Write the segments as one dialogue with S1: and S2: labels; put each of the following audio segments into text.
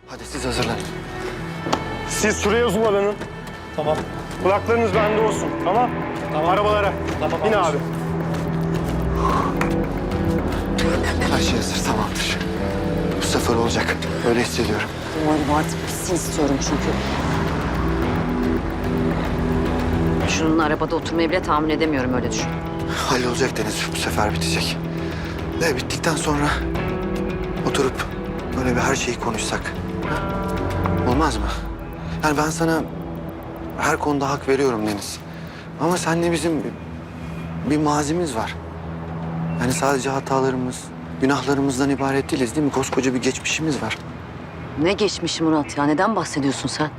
S1: Hadi siz hazırlanın.
S2: Siz şuraya uzmanlanın.
S3: Tamam.
S2: Kulaklarınız bende olsun, tamam?
S3: Tamam.
S2: Arabalara.
S3: Tamam,
S2: Bin
S3: anlaşıldı.
S2: abi.
S1: Her şey hazır, tamamdır. Bu sefer olacak. Öyle hissediyorum.
S4: Umarım artık bitsin istiyorum çünkü. Şunun arabada oturmayı bile tahammül edemiyorum, öyle düşün.
S1: Hallolacak Deniz. Bu sefer bitecek. Ve bittikten sonra oturup böyle bir her şeyi konuşsak. Olmaz mı? Yani ben sana her konuda hak veriyorum Deniz. Ama seninle bizim bir mazimiz var. Yani sadece hatalarımız, günahlarımızdan ibaret değiliz değil mi? Koskoca bir geçmişimiz var.
S4: Ne geçmişi Murat ya? Neden bahsediyorsun sen?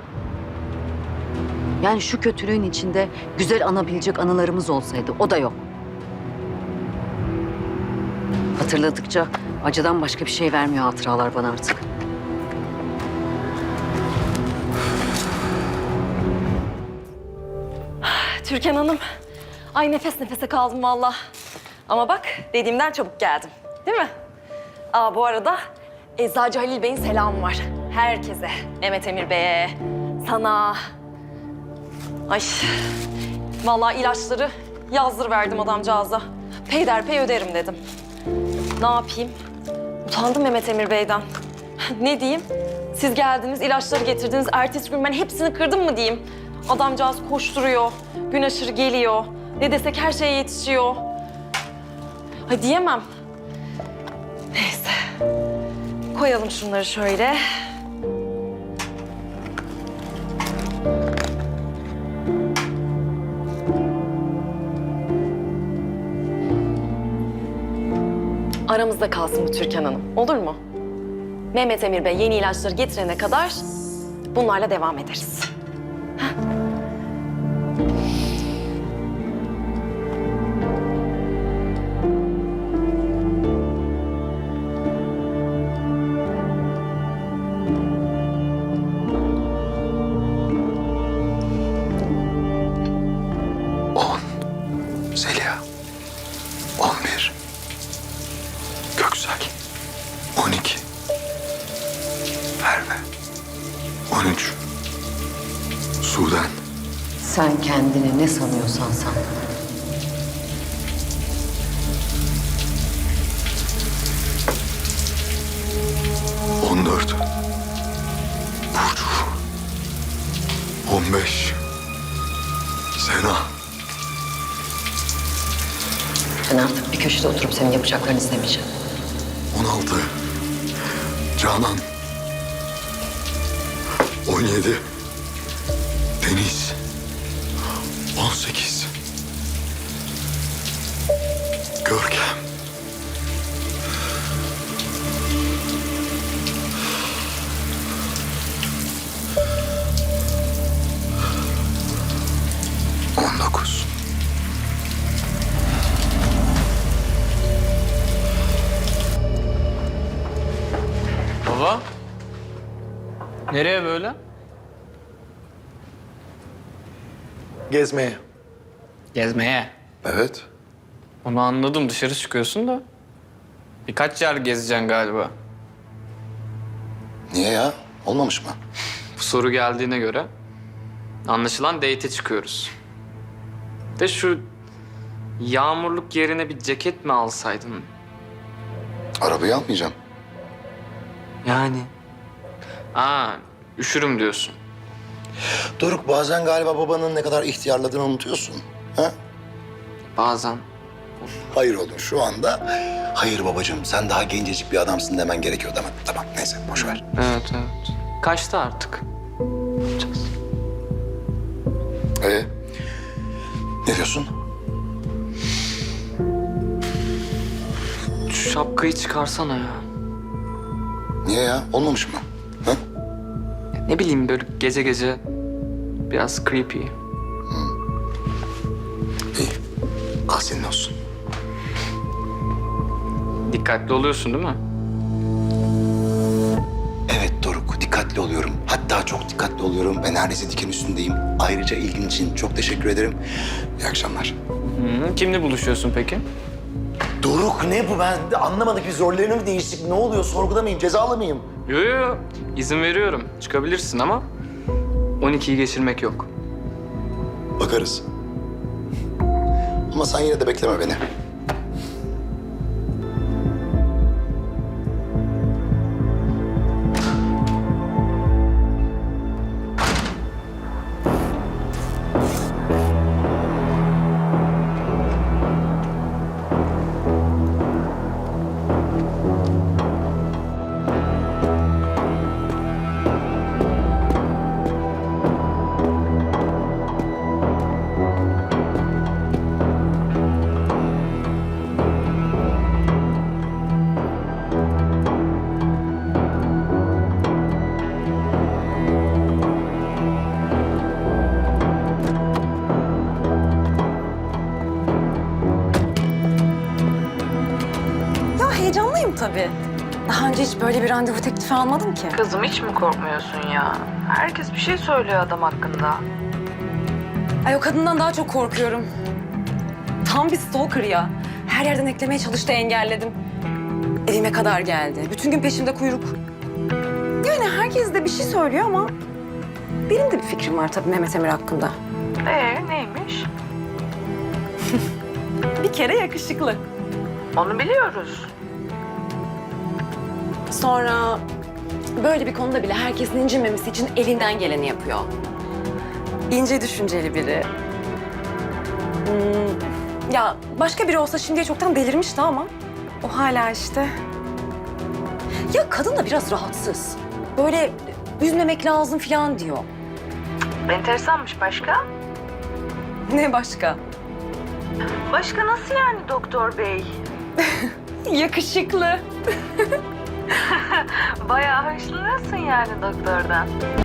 S4: Yani şu kötülüğün içinde güzel anabilecek anılarımız olsaydı, o da yok. Hatırladıkça acıdan başka bir şey vermiyor hatıralar bana artık.
S5: Türkan Hanım, ay nefes nefese kaldım vallahi. Ama bak dediğimden çabuk geldim, değil mi? Bu arada Eczacı Halil Bey'in selamı var. Herkese, Mehmet Emir Bey'e, sana. Ay, vallahi ilaçları yazdırıverdim adamcağıza. Peyderpey öderim dedim. Ne yapayım? Utandım Mehmet Emir Bey'den. Ne diyeyim? Siz geldiniz, ilaçları getirdiniz. Ertesi gün ben hepsini kırdım mı diyeyim? Adamcağız koşturuyor, gün aşırı geliyor. Ne desek her şeye yetişiyor. Ay diyemem. Neyse. Koyalım şunları şöyle. Aramızda kalsın bu Türkan Hanım, olur mu? Mehmet Emir Bey yeni ilaçları getirene kadar bunlarla devam ederiz. Heh.
S1: 10 Zeliha, 11 Göksel, 12 Merve, 13 Sudan,
S4: Sen kendini ne sanıyorsan san.
S1: 14 Burcu, 15 Sena,
S4: Ben artık bir köşede oturup senin yapacaklarını izlemeyeceğim.
S1: 16 Canan, 17 Deniz, 18 Görkem, 19
S3: Baba. Nereye böyle?
S6: Gezmeye.
S3: Gezmeye.
S6: Evet.
S3: Onu anladım, dışarı çıkıyorsun da. Birkaç yer gezeceksin galiba.
S6: Niye ya? Olmamış mı?
S3: Bu soru geldiğine göre anlaşılan date'e çıkıyoruz. De şu yağmurluk yerine bir ceket mi alsaydın?
S6: Arabayı almayacağım.
S3: Yani. Üşürüm diyorsun.
S6: Doruk, bazen galiba babanın ne kadar ihtiyarladığını unutuyorsun. Ha?
S3: Bazen.
S6: Hayır oğlum, şu anda hayır babacığım sen daha gencecik bir adamsın demen gerekiyor demek. Tamam neyse boş ver.
S3: Evet. Kaçtı artık. Ne yapacağız?
S6: Ne diyorsun?
S3: Şu şapkayı çıkarsana ya.
S6: Niye ya? Olmamış mı? Ha?
S3: Ne bileyim, böyle gece gece biraz creepy.
S6: İyi. Al senin olsun.
S3: Dikkatli oluyorsun değil mi?
S6: Evet Doruk, dikkatli oluyorum. Hatta çok dikkatli oluyorum ve neredeyse diken üstündeyim. Ayrıca ilgin için çok teşekkür ederim. İyi akşamlar.
S3: Kimle buluşuyorsun peki?
S6: Doruk ne bu? Ben de anlamadık. Bir rollerini mi değiştik? Ne oluyor? Sorguda mıyım? Cezalı mıyım?
S3: Yo. İzin veriyorum. Çıkabilirsin ama 12'yi geçirmek yok.
S6: Bakarız. Ama sen yine de bekleme beni.
S5: Ya heyecanlıyım tabii. Daha önce hiç böyle bir randevu teklifi almadım ki.
S7: Kızım hiç mi korkmuyorsun ya? Herkes bir şey söylüyor adam hakkında.
S5: Ay o kadından daha çok korkuyorum. Tam bir stalker ya. Her yerden eklemeye çalıştı, engelledim. Evime kadar geldi. Bütün gün peşimde kuyruk. Yani herkes de bir şey söylüyor ama... benim de bir fikrim var tabii Mehmet Emir hakkında.
S7: Neymiş?
S5: Bir kere yakışıklı.
S7: Onu biliyoruz.
S5: Sonra böyle bir konuda bile herkesin incinmemesi için elinden geleni yapıyor. İnce düşünceli biri. Ya başka biri olsa şimdiye çoktan delirmişti ama o hala işte. Ya kadın da biraz rahatsız. Böyle üzmemek lazım falan diyor.
S7: Enteresanmış başka.
S5: Ne başka?
S7: Başka nasıl yani doktor bey?
S5: Yakışıklı.
S7: Bayağı hoşlanıyorsun yani doktordan.